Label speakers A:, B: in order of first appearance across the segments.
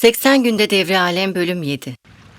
A: 80 Günde Devri Alem Bölüm 7.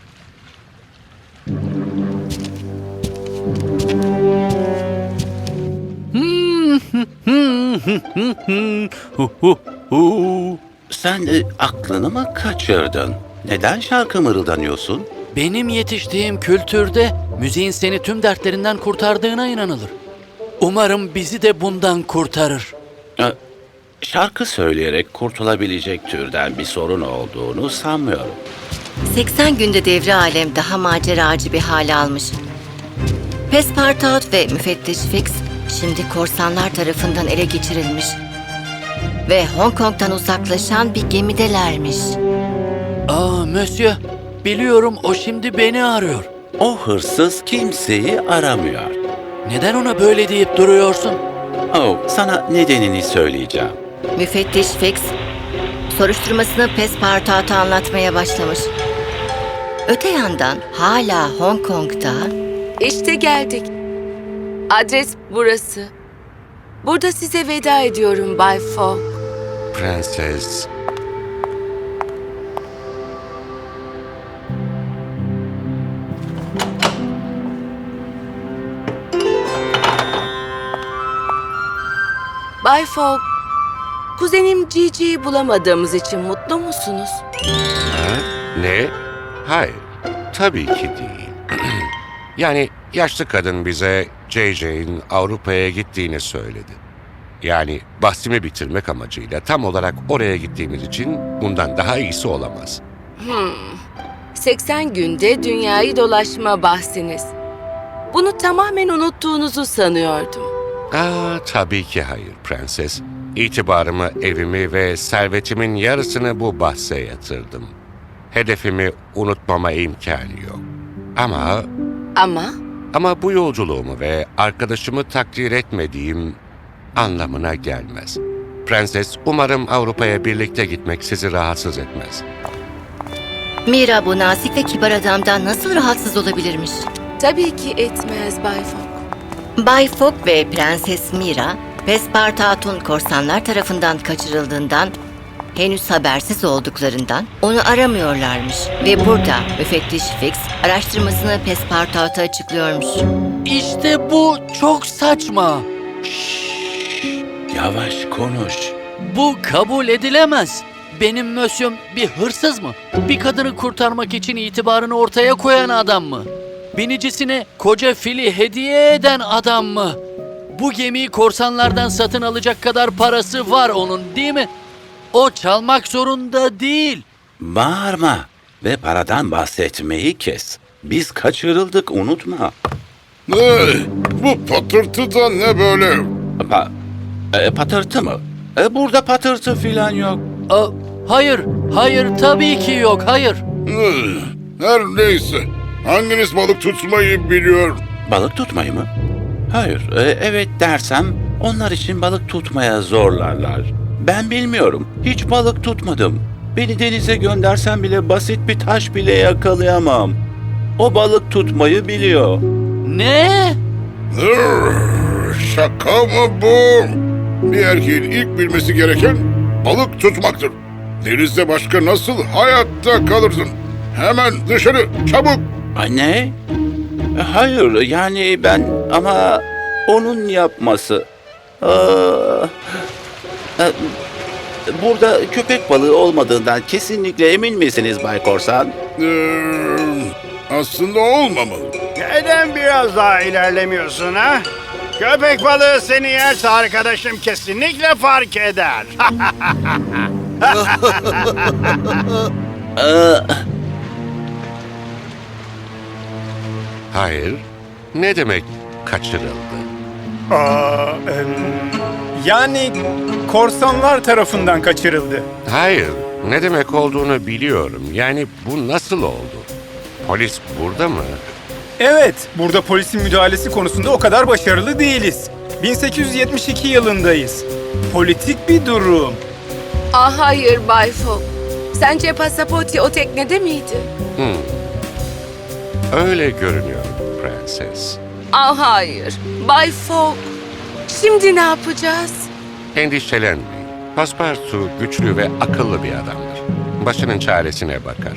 B: Sen aklını mı kaçırdın? Neden şarkı mırıldanıyorsun?
C: Benim yetiştiğim kültürde müziğin seni tüm dertlerinden kurtardığına inanılır. Umarım bizi de bundan kurtarır.
B: Şarkı söyleyerek kurtulabilecek türden bir sorun olduğunu sanmıyorum.
A: 80 Günde Devri Alem daha maceracı bir hale almış. Pespartout ve Müfettiş Fix şimdi korsanlar tarafından ele geçirilmiş. Ve Hong Kong'dan uzaklaşan bir gemidelermiş.
C: Monsieur, biliyorum o şimdi beni arıyor.
B: O hırsız kimseyi aramıyor.
C: Neden ona böyle deyip duruyorsun?
B: Sana nedenini söyleyeceğim.
A: Müfettiş Fix soruşturmasını Pespartout'a anlatmaya başlamış. Öte yandan hala Hong Kong'da...
D: İşte geldik. Adres burası. Burada size veda ediyorum Bay Fogg.
E: Prenses.
D: Bay Fogg, kuzenim Gigi'yi bulamadığımız için mutlu musunuz?
E: Ne? Hayır. Tabii ki değil. Yani yaşlı kadın bize JJ'in Avrupa'ya gittiğini söyledi. Yani bahsimi bitirmek amacıyla tam olarak oraya gittiğimiz için bundan daha iyisi olamaz.
D: 80 günde dünyayı dolaşma bahsiniz. Bunu tamamen unuttuğunuzu sanıyordum.
E: Tabii ki hayır prenses. İtibarımı, evimi ve servetimin yarısını bu bahse yatırdım. Hedefimi unutmama imkanı yok. Ama bu yolculuğumu ve arkadaşımı takdir etmediğim anlamına gelmez. Prenses, umarım Avrupa'ya birlikte gitmek sizi rahatsız etmez.
A: Mira bu nazik ve kibar adamdan nasıl rahatsız olabilirmiş?
D: Tabii ki etmez Bay Fogg.
A: Bay Fogg ve Prenses Mira, Pespartout'un korsanlar tarafından kaçırıldığından, henüz habersiz olduklarından onu aramıyorlarmış. Ve burada Müfettiş Fix araştırmasını Pespartout'a açıklıyormuş.
C: İşte bu çok saçma.
B: Yavaş konuş.
C: Bu kabul edilemez. Benim Monsieur'm bir hırsız mı? Bir kadını kurtarmak için itibarını ortaya koyan adam mı? Binicisine koca fili hediye eden adam mı? Bu gemiyi korsanlardan satın alacak kadar parası var onun, değil mi? O çalmak zorunda değil.
B: Bağırma ve paradan bahsetmeyi kes. Biz kaçırıldık, unutma.
F: Bu patırtı da ne böyle?
B: Patırtı mı? Burada patırtı filan yok.
C: Hayır, tabii ki yok, hayır.
F: Her neyse. Hanginiz balık tutmayı biliyor?
B: Balık tutmayı mı? Hayır, evet dersem onlar için balık tutmaya zorlarlar. Ben bilmiyorum, hiç balık tutmadım. Beni denize göndersen bile basit bir taş bile yakalayamam. O balık tutmayı biliyor.
C: Ne?
F: Şaka mı bu? Bir erkeğin ilk bilmesi gereken balık tutmaktır. Denizde başka nasıl hayatta kalırsın? Hemen dışarı, çabuk!
B: Ne? Hayır, yani ben ama onun yapması. Burada köpek balığı olmadığından kesinlikle emin misiniz Bay Korsan?
F: Aslında olmamalı.
G: Neden biraz daha ilerlemiyorsun ha? Köpek balığı seni yerse arkadaşım kesinlikle fark eder.
E: Hayır. Ne demek kaçırıldı?
H: Yani korsanlar tarafından kaçırıldı.
E: Hayır. Ne demek olduğunu biliyorum. Yani bu nasıl oldu? Polis burada mı?
H: Evet, burada polisin müdahalesi konusunda o kadar başarılı değiliz. 1872 yılındayız. Politik bir durum.
D: Hayır Bay Fogg. Sence Passaporti o teknede miydi?
E: Öyle görünüyor prenses.
D: Hayır. Bay Fogg. Şimdi ne yapacağız?
E: Endişelenmeyin. Passepartout güçlü ve akıllı bir adamdır. başının çaresine bakar.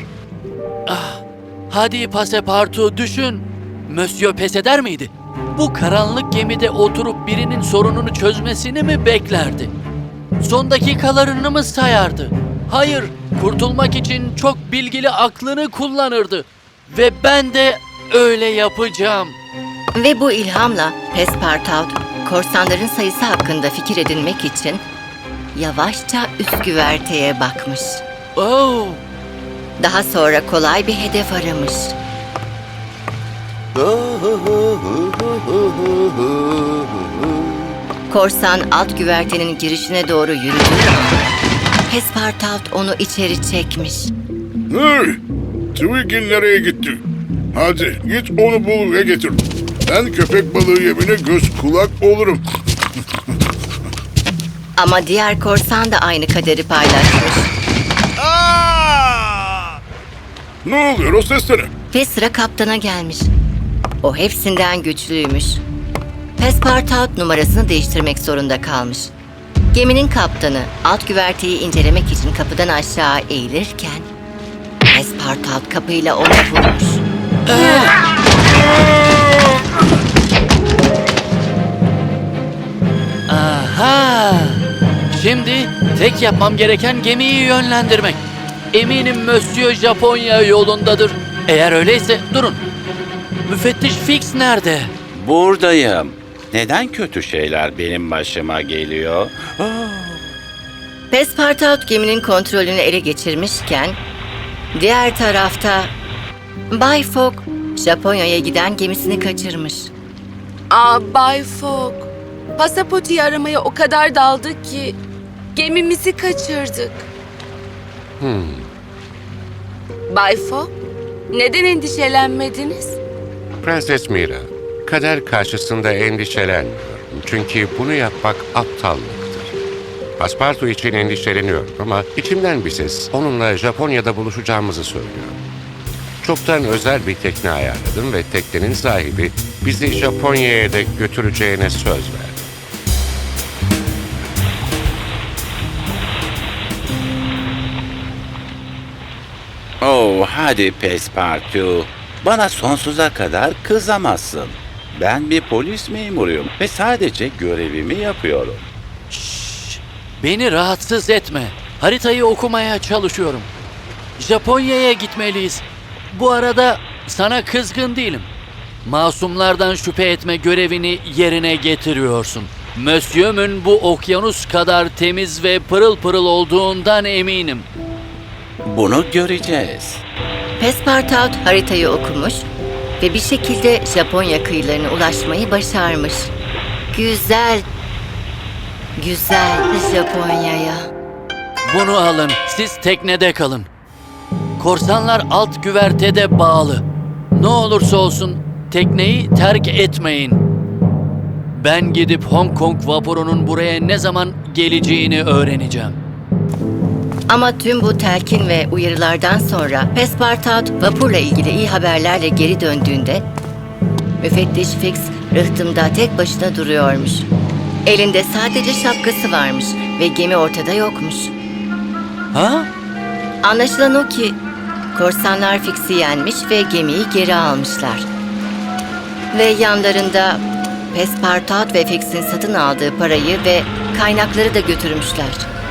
C: Hadi Passepartout düşün. Monsieur pes eder miydi? Bu karanlık gemide oturup birinin sorununu çözmesini mi beklerdi? Son dakikalarını mı sayardı? Hayır, kurtulmak için çok bilgili aklını kullanırdı. Ve ben de öyle yapacağım.
A: Ve bu ilhamla Pespartout, korsanların sayısı hakkında fikir edinmek için yavaşça üst güverteye bakmış.
C: Oh,
A: Daha sonra kolay bir hedef aramış. Korsan alt güvertenin girişine doğru yürüdüğü an Pespartout onu içeri çekmiş.
F: Hey! Twiggy nereye gitti? Hadi git onu bul ve getir. Ben köpek balığı yemine göz kulak olurum.
A: Ama diğer korsan da aynı kaderi paylaşmış.
F: Ne oluyor o seslere?
A: Ve sıra kaptana gelmiş. O hepsinden güçlüymüş. Pespartout numarasını değiştirmek zorunda kalmış. Geminin kaptanı alt güverteyi incelemek için kapıdan aşağı eğilirken Pespartout kapıyla onu vurmuş.
C: aha! Şimdi tek yapmam gereken gemiyi yönlendirmek. Eminim Monsieur Japonya yolundadır. Eğer öyleyse durun. Müfettiş Fix nerede?
B: Buradayım. Neden kötü şeyler benim başıma geliyor?
A: Pespartout geminin kontrolünü ele geçirmişken diğer tarafta Bay Fogg Japonya'ya giden gemisini kaçırmış.
D: Bay Fogg, pasaportu aramaya o kadar daldık ki gemimizi kaçırdık. Bay Fogg, neden endişelenmediniz?
E: Prenses Mira, kader karşısında endişelenmiyorum. Çünkü bunu yapmak aptallıktır. Passepartout için endişeleniyorum ama içimden bir ses onunla Japonya'da buluşacağımızı söylüyor. Çoktan özel bir tekne ayarladım ve teknenin sahibi bizi Japonya'ya da götüreceğine söz verdi.
B: Oh, hadi Pespartout. Bana sonsuza kadar kızamazsın. Ben bir polis memuruyum ve sadece görevimi yapıyorum.
C: Beni rahatsız etme. Haritayı okumaya çalışıyorum. Japonya'ya gitmeliyiz. Bu arada sana kızgın değilim. Masumlardan şüphe etme görevini yerine getiriyorsun. Monsieur'ün bu okyanus kadar temiz ve pırıl pırıl olduğundan eminim.
B: Bunu göreceğiz.
A: Pespartout haritayı okumuş ve bir şekilde Japonya kıyılarına ulaşmayı başarmış. Güzel, güzel Japonya'ya.
C: Bunu alın, siz teknede kalın. Korsanlar alt güvertede bağlı. Ne olursa olsun tekneyi terk etmeyin. Ben gidip Hong Kong vapurunun buraya ne zaman geleceğini öğreneceğim.
A: Ama tüm bu telkin ve uyarılardan sonra Pespartout vapurla ilgili iyi haberlerle geri döndüğünde müfettiş Fix rıhtımda tek başına duruyormuş. Elinde sadece şapkası varmış ve gemi ortada yokmuş.
C: Ha?
A: Anlaşılan o ki korsanlar Fix'i yenmiş ve gemiyi geri almışlar. Ve yanlarında Pespartout ve Fix'in satın aldığı parayı ve kaynakları da götürmüşler.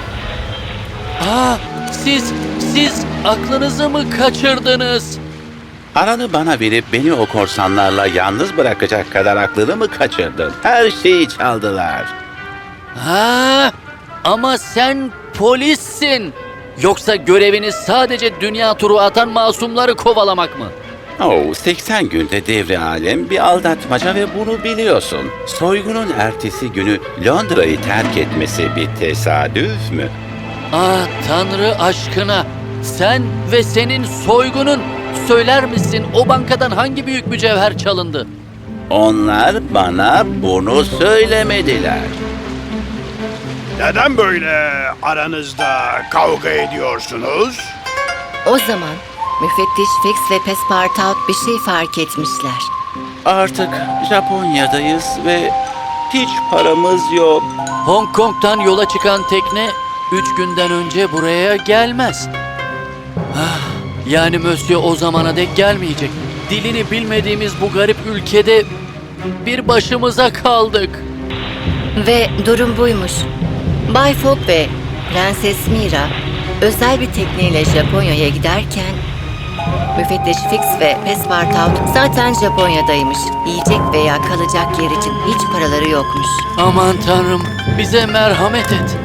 C: Siz aklınızı mı kaçırdınız?
B: Paranı bana verip beni o korsanlarla yalnız bırakacak kadar aklını mı kaçırdın? Her şeyi çaldılar.
C: Ha? Ama sen polissin. Yoksa göreviniz sadece dünya turu atan masumları kovalamak mı?
B: 80 günde devre alem bir aldatmaca ve bunu biliyorsun. Soygunun ertesi günü Londra'yı terk etmesi bir tesadüf mü?
C: Tanrı aşkına. Sen ve senin soygunun. Söyler misin o bankadan hangi büyük mücevher çalındı?
B: Onlar bana bunu söylemediler.
G: Neden böyle aranızda kavga ediyorsunuz?
A: O zaman müfettiş Fix ve Pespartout bir şey fark etmişler.
B: Artık Japonya'dayız ve hiç paramız yok.
C: Hong Kong'tan yola çıkan tekne 3 günden önce buraya gelmez. Yani Monsieur o zamana dek gelmeyecek. Dilini bilmediğimiz bu garip ülkede bir başımıza kaldık.
A: Ve durum buymuş. Bay Fogg ve Prenses Mira özel bir tekneyle Japonya'ya giderken Müfettiş Fix ve Pespartout zaten Japonya'daymış. Yiyecek veya kalacak yer için hiç paraları yokmuş.
C: Aman tanrım, bize merhamet et.